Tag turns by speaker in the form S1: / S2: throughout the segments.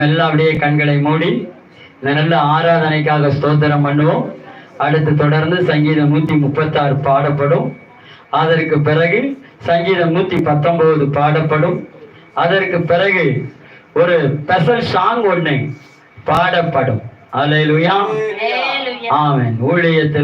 S1: எல்லாம் அப்படியே கண்களை மூடி நல்ல ஆராதனைக்காக ஸ்தோத்திரம் பண்ணுவோம். அடுத்து தொடர்ந்து சங்கீதம் 136 பாடப்படும். அதற்கு பிறகு சங்கீதம் 119 பாடப்படும். அதற்கு பிறகு ஒரு ஸ்பெஷல் சாங் ஒண்ணு பாடப்படும். அல்லேலூயா, ஆமென். ஊழியத்துல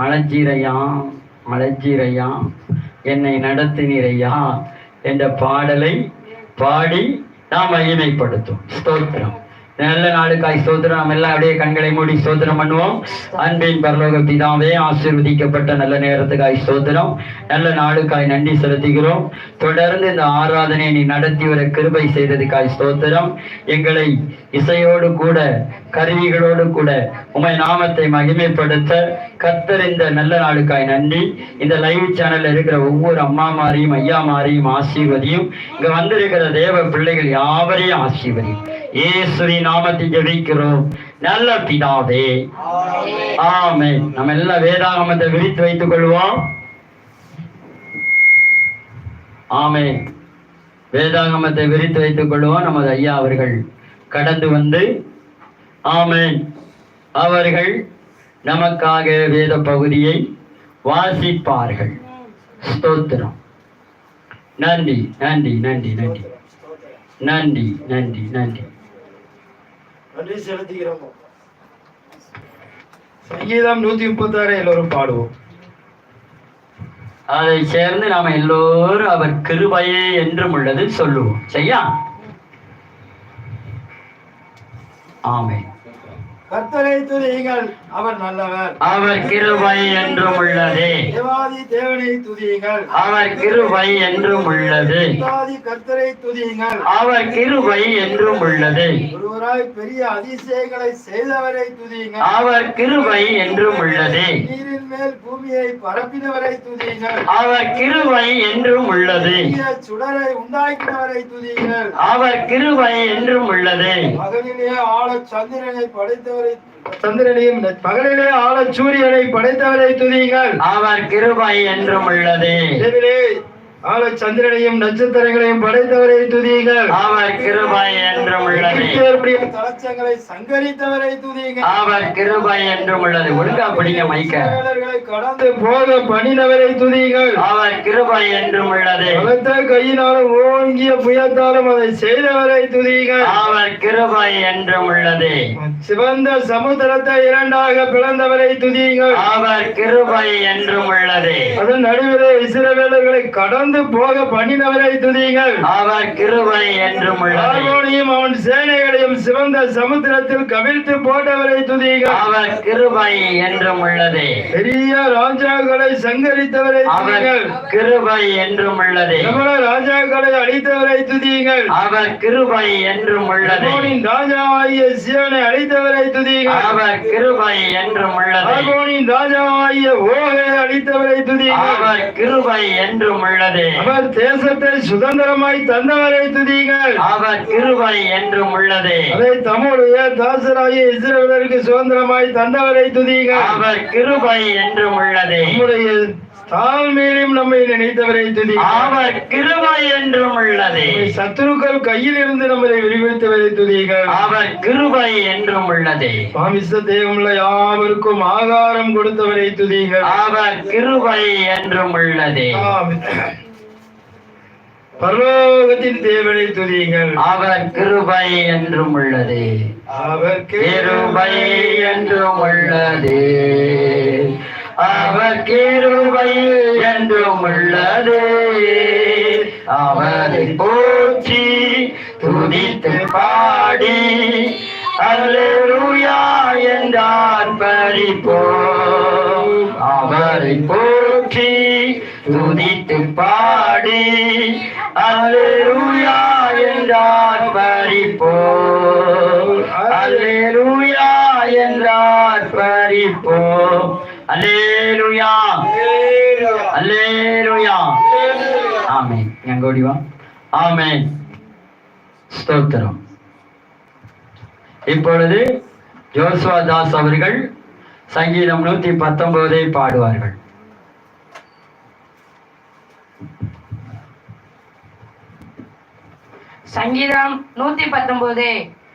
S1: அழைச்சீரையா என்னை நடத்தினீரையா என்ற பாடலை பாடி நாம் மகிமைப்படுத்தும். ஸ்தோத்திரம். நல்ல நாளுக்காய் ஸ்தோத்திரம். நம்ம எல்லாம் அப்படியே கண்களை மூடி ஸ்தோத்திரம் பண்ணுவோம். அன்பின் பரலோக பிதாவே, ஆசீர்வதிக்கப்பட்ட நல்ல நேரத்துக்காய் ஸ்தோத்திரம். நல்ல நாளுக்காய் நன்றி செலுத்துகிறோம். தொடர்ந்து இந்த ஆராதனை நீ நடத்தி வர கிருபை செய்ததுக்காய் ஸ்தோத்திரம். எங்களை இசையோடு கூட கருவிகளோடு கூட உமை நாமத்தை மகிமைப்படுத்த கர்த்தர் இந்த நல்ல நாளுக்காய் நன்றி. இந்த லைவ் சேனல்ல இருக்கிற ஒவ்வொரு அம்மாமாரையும் ஐயாமாரையும் ஆசீர்வதியும். இங்க வந்திருக்கிற தேவ பிள்ளைகள் யாவரையும் ஆசீர்வதியும். இயேசுவின் நாமத்தில் ஜெபிக்கிறோம் நல்ல பிதாவே, ஆமென். நம்ம எல்லாம் வேதாகமத்தை விரித்து வைத்துக் கொள்வோம். ஆமென். வேதாகமத்தை விரித்து வைத்துக் கொள்வோம். நமது ஐயா அவர்கள் கடந்து வந்து ஆமென் அவர்கள் நமக்காக வேத பகுதியை வாசிப்பார்கள். ஸ்தோத்திரம். நன்றி நன்றி நன்றி நன்றி நன்றி நன்றி நன்றி
S2: நன்றி செலுத்துகிறோம். சங்கீதம் 136 எல்லோரும் பாடுவோம்.
S1: அதை சேர்ந்து நாம எல்லோரும் அவர் கிருபையே என்றும் உள்ளது சொல்லுவோம். சரியா? ஆமென்.
S2: கர்த்தரை துதியுங்கள், அவர் நல்லவர்,
S1: அவர் கிருபை என்றும் உள்ளது.
S2: தேவாதி தேவனை துதியுங்கள்,
S1: அவர் கிருபை என்றும் உள்ளது.
S2: தேவாதி கர்த்தரை துதியுங்கள்,
S1: அவர் கிருபை என்றும் உள்ளது.
S2: ஒருவராய் பெரிய அதிசயங்களை செய்தவரை துதியுங்கள்,
S1: அவர் கிருபை என்றும் உள்ளது.
S2: நீரின் மேல் பூமியை பரப்பினவரை துதியுங்கள்,
S1: அவர் கிருபை என்றும் உள்ளது.
S2: சுடரை உண்டாக்கினவரை துதியுங்கள்,
S1: அவர் கிருபை என்றும் உள்ளது.
S2: பகலிலே ஆழ சந்திரனை படைத்தவரை, சந்திரனையும் பகலிலே ஆழ சூரியனை படைத்தவரை துதியுங்கள்,
S1: அவர் கிருபை என்றும் உள்ளது.
S2: ஆழ சந்திரனையும் நட்சத்திரங்களையும் படைத்தவரை துதியுங்கள்,
S1: அவர் கிருபை என்றும் உள்ளது.
S2: தலச்சங்களை சங்கரித்தவரை துதியுங்கள்,
S1: அவர் கிருபை என்றும் உள்ளது. ஒழுங்கா பிடிக்க மைக்க.
S2: கடந்து போக பண்ணினவரை துதியுங்கள்,
S1: அவர் கிருபை என்றும் உள்ளது.
S2: பலத்த கையினாலும் ஓங்கிய புயத்தாலும் அதை செய்தவரை துதியுங்கள்,
S1: அவர் கிருபை என்றும் உள்ளது.
S2: சிவந்த சமுத்திரத்தை இரண்டாக பிளந்தவரை துதியுங்கள்,
S1: அவர் கிருபை என்றும் உள்ளது.
S2: அதன் நடுவிலே இஸ்ரவேலர்களை கடந்து போக பண்ணினவரை துதியுங்கள்,
S1: அவர் கிருபை என்றும் உள்ளது.
S2: அவன் சேனைகளையும் சிவந்த சமுத்திரத்தில் கவிழ்த்து போட்டவரை துதியுங்கள்,
S1: அவர் கிருபை என்றும் உள்ளது.
S2: பெரிய ராஜாக்களை சங்கரித்தவரை துதியுங்கள்,
S1: கிருபை என்றும் உள்ளது.
S2: ராஜாக்களை அழித்தவரை துதியுங்கள்,
S1: அவர் கிருபை என்றும் உள்ளது.
S2: ராஜாவாகிய சிவனை அழித்தவரை துதியுங்கள்,
S1: அவர் கிருபை என்றும் உள்ளது.
S2: ராஜாவாகிய ஓகை அழித்தவரை துதியுங்கள்,
S1: அவர் கிருபை என்றும் உள்ளது.
S2: அவர் தேசத்தை சுதந்திரமாய் தந்தவரை துதியுங்கள், அவர்
S1: கிருபை என்றும் உள்ளது.
S2: அதை தம்முடைய தாசராகிய இஸ்ரவேலருக்கு சுதந்திரமாய் தந்தவரை துதியுங்கள், அவர்
S1: கிருபை என்றும் உள்ளது.
S2: நம்முடைய தாழ்மையிலும் நம்மை நினைத்தவரை துதியுங்கள்,
S1: அவர் கிருபை என்றும் உள்ளது.
S2: சத்துருக்கள் கையில் இருந்து நம்மை விடுவித்தவரை துதியுங்கள், அவர்
S1: கிருபை என்றும் உள்ளது.
S2: மாமிச தேவமுள்ள யாவருக்கும் ஆகாரம் கொடுத்தவரை துதியுங்கள்,
S1: அவர் கிருபை என்றும் உள்ளது.
S2: பரலோகத்தின் தேவனை துதியுங்கள்,
S1: அவர் கிருபை என்றும் உள்ளது.
S2: அவர்
S1: கிருபை என்றும் உள்ளது. அவர் கிருபை என்றும் உள்ளது. அவரை போற்றி துதித்து பாடி அல்லேலூயா என்றார் பரிப்போம். அவரை போற்றி துதித்து பாடி அல்லேலூயா என்றார் பரிப்போம். அல்லேலூயா என்றார் பரிப்போம். அல்லேலூயா, அல்லேலூயா. ஆமென். எங்கோடி வா. ஆமென். ஸ்தோத்திரம். இப்பொழுது ஜோசுவா தாஸ் அவர்கள் சங்கீதம் 119 பாடுவார்கள்.
S3: சங்கீதம் 119